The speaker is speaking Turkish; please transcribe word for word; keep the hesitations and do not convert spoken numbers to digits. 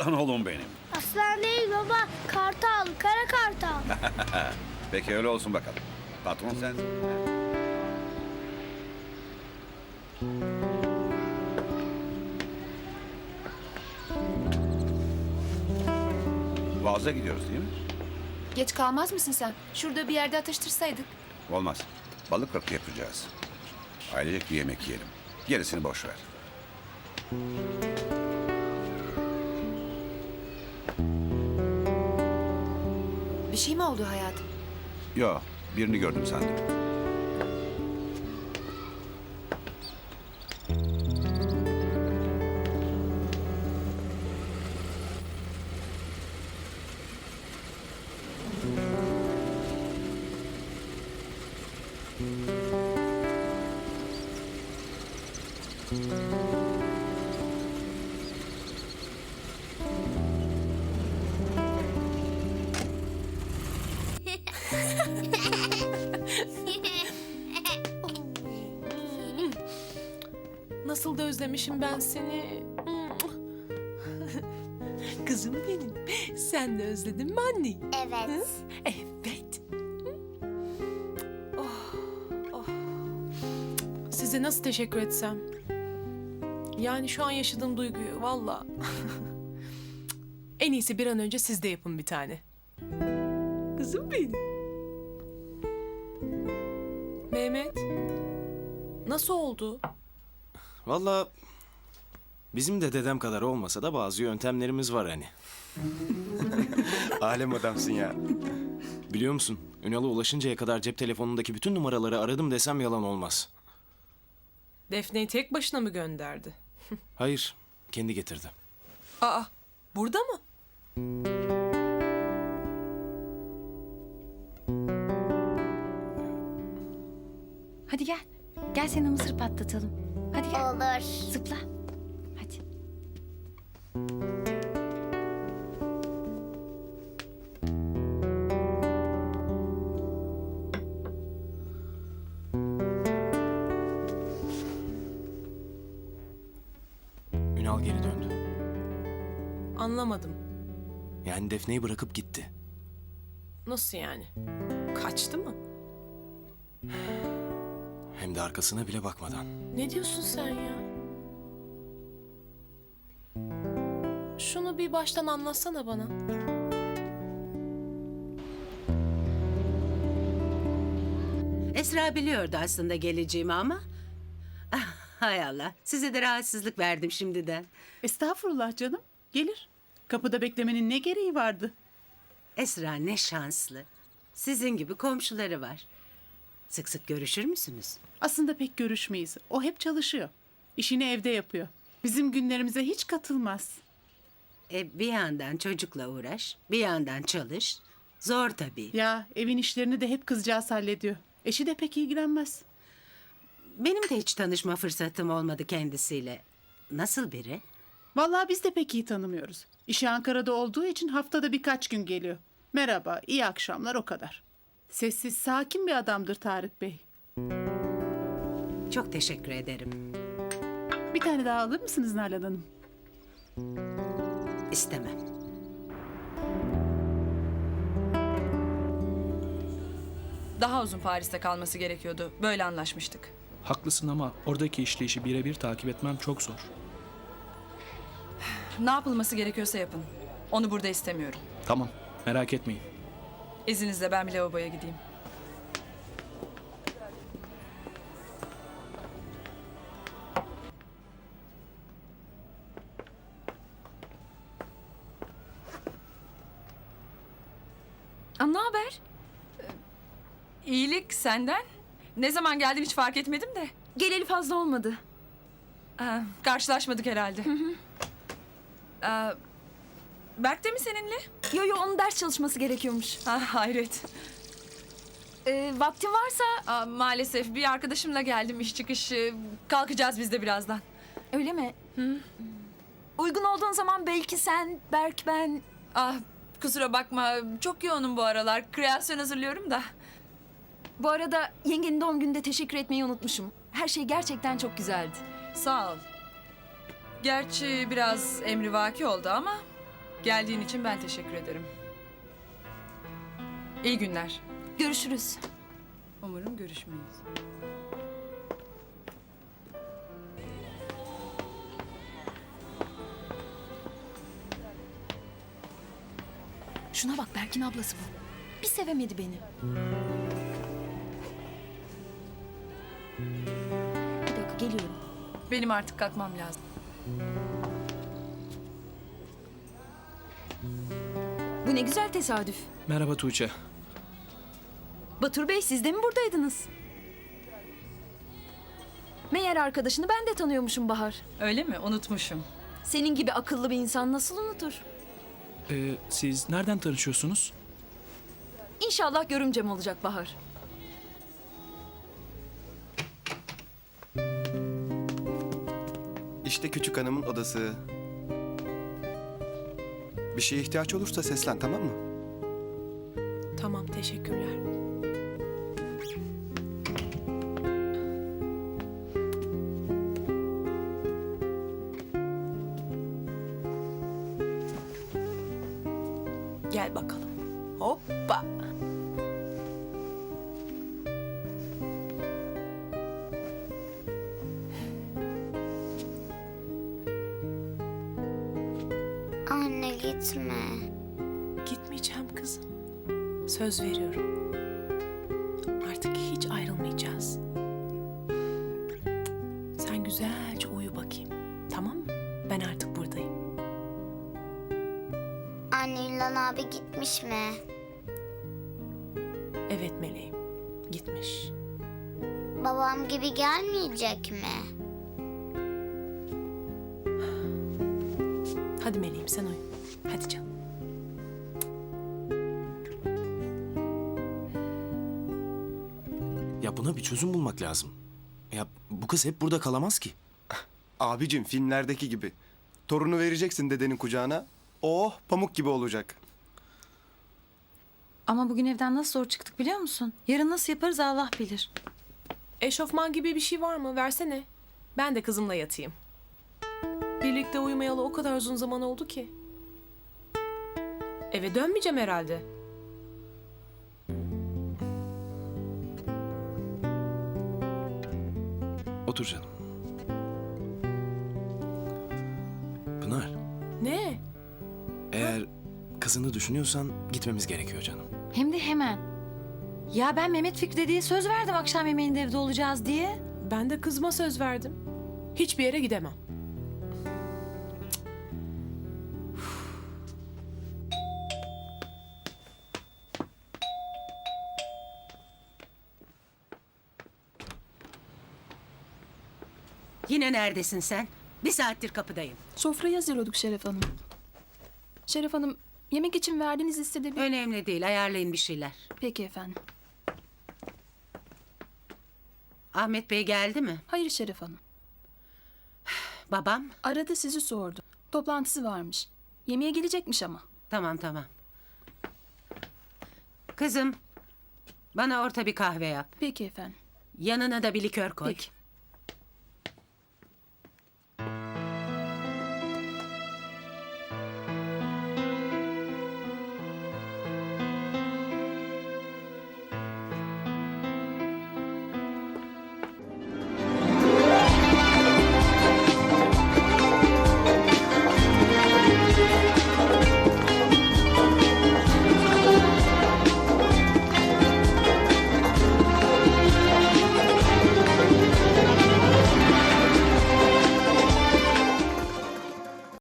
Aslan oğlum benim. Aslan değil baba. Kartal. Kara kartal. Peki öyle olsun bakalım. Patron sensin. Boğaz'a gidiyoruz değil mi? Geç kalmaz mısın sen? Şurada bir yerde atıştırsaydık. Olmaz. Balık kırkı yapacağız. Ailecek bir yemek yiyelim. Gerisini boş ver. Bir şey mi oldu hayatım? Yo, birini gördüm sandım. Nasıl da özlemişim ben seni. Kızım benim. Sen de özledin mi anneyi? Evet. Evet. Oh, oh. Size nasıl teşekkür etsem? Yani şu an yaşadığım duyguyu valla. En iyisi bir an önce siz de yapın bir tane. Kızım benim. Mehmet. Nasıl oldu? Vallahi bizim de dedem kadar olmasa da bazı yöntemlerimiz var hani. Alem adamsın ya. Biliyor musun? Ünal'a ulaşıncaya kadar cep telefonundaki bütün numaraları aradım desem yalan olmaz. Defne'yi tek başına mı gönderdi? Hayır, kendi getirdi. Aa, burada mı? Hadi gel. Gel seni mısır patlatalım. Hadi gel. Olur. Zıpla. Hadi. Ünal geri döndü. Anlamadım. Yani Defne'yi bırakıp gitti. Nasıl yani? Kaçtı mı? Hem de arkasına bile bakmadan. Ne diyorsun sen ya? Şunu bir baştan anlatsana bana. Esra biliyordu aslında geleceğimi ama... Ah, hay Allah, size de rahatsızlık verdim şimdiden. Estağfurullah canım. Gelir. Kapıda beklemenin ne gereği vardı? Esra ne şanslı. Sizin gibi komşuları var. Sık sık görüşür müsünüz? Aslında pek görüşmeyiz. O hep çalışıyor. İşini evde yapıyor. Bizim günlerimize hiç katılmaz. E, bir yandan çocukla uğraş, bir yandan çalış. Zor tabii. Ya evin işlerini de hep kızcağız hallediyor. Eşi de pek ilgilenmez. Benim de hiç tanışma fırsatım olmadı kendisiyle. Nasıl biri? Vallahi biz de pek iyi tanımıyoruz. İşi Ankara'da olduğu için haftada birkaç gün geliyor. Merhaba, iyi akşamlar o kadar. Sessiz, sakin bir adamdır Tarık Bey. Çok teşekkür ederim. Bir tane daha alır mısınız Nalan Hanım? İstemem. Daha uzun Paris'te kalması gerekiyordu. Böyle anlaşmıştık. Haklısın ama oradaki işleyişi birebir takip etmem çok zor. Ne yapılması gerekiyorsa yapın. Onu burada istemiyorum. Tamam, merak etmeyin. İzninizle ben bir lavaboya gideyim. Aa, ne haber? Ee, İyilik senden. Ne zaman geldim hiç fark etmedim de. Geleli fazla olmadı. Aa, karşılaşmadık herhalde. Aa, Berk de mi seninle? Yo yo onun ders çalışması gerekiyormuş. Ha, hayret. Ee, vaktin varsa Aa, maalesef bir arkadaşımla geldim iş çıkışı. Kalkacağız biz de birazdan. öyle mi? Uygun olduğun zaman belki sen, Berk, ben... Ah, kusura bakma çok yoğunum bu aralar. Kreasyon hazırlıyorum da. Bu arada yengenin doğum gününde teşekkür etmeyi unutmuşum. Her şey gerçekten çok güzeldi. Sağ ol. Gerçi biraz emrivaki oldu ama Geldiğin için ben teşekkür ederim. İyi günler. Görüşürüz. Umarım görüşmeyiz. Şuna bak, Berk'in ablası bu. Bir sevemedi beni. Bir dakika, geliyorum. Benim artık kalkmam lazım. Bu ne güzel tesadüf. Merhaba Tuğçe. Batur Bey, siz de mi buradaydınız? Meğer arkadaşını ben de tanıyormuşum Bahar. Öyle mi? Unutmuşum. Senin gibi akıllı bir insan nasıl unutur? Ee, siz nereden tanışıyorsunuz? İnşallah görümcem olacak Bahar. İşte küçük hanımın odası. Bir şeye ihtiyaç olursa seslen, tamam mı? Tamam, teşekkürler. Gel bakalım. Hoppa. Anne gitme. Gitmeyeceğim kızım. Söz veriyorum. Artık hiç ayrılmayacağız. Sen güzelce uyu bakayım. Tamam mı? Ben artık buradayım. Anne İlhan abi gitmiş mi? Evet meleğim. Gitmiş. Babam gibi gelmeyecek mi? Hadi meleğim sen uyu. Hadi canım. Ya buna bir çözüm bulmak lazım. Ya bu kız hep burada kalamaz ki. Abicim, filmlerdeki gibi. Torunu vereceksin dedenin kucağına. Oh, pamuk gibi olacak. Ama bugün evden nasıl zor çıktık biliyor musun? Yarın nasıl yaparız Allah bilir. Eşofman gibi bir şey var mı? Versene. Ben de kızımla yatayım. Birlikte uyumayalı o kadar uzun zaman oldu ki. Eve dönmeyeceğim herhalde. Otur canım. Pınar, Ne? eğer kızını düşünüyorsan gitmemiz gerekiyor canım. Hem de hemen. Ya ben Mehmet Fikri diye söz verdim akşam yemeğinde evde olacağız diye. Ben de kızıma söz verdim. Hiçbir yere gidemem. Yine neredesin sen? Bir saattir kapıdayım. Sofrayı hazırlıyorduk Şeref Hanım. Şeref Hanım, yemek için verdiğiniz listede bir... Önemli değil, ayarlayın bir şeyler. Peki efendim. Ahmet Bey geldi mi? Hayır Şeref Hanım. Babam? Aradı, sizi sordu. Toplantısı varmış. Yemeğe gelecekmiş ama. Tamam tamam. Kızım, bana orta bir kahve yap. Peki efendim. Yanına da bir likör koy. Peki.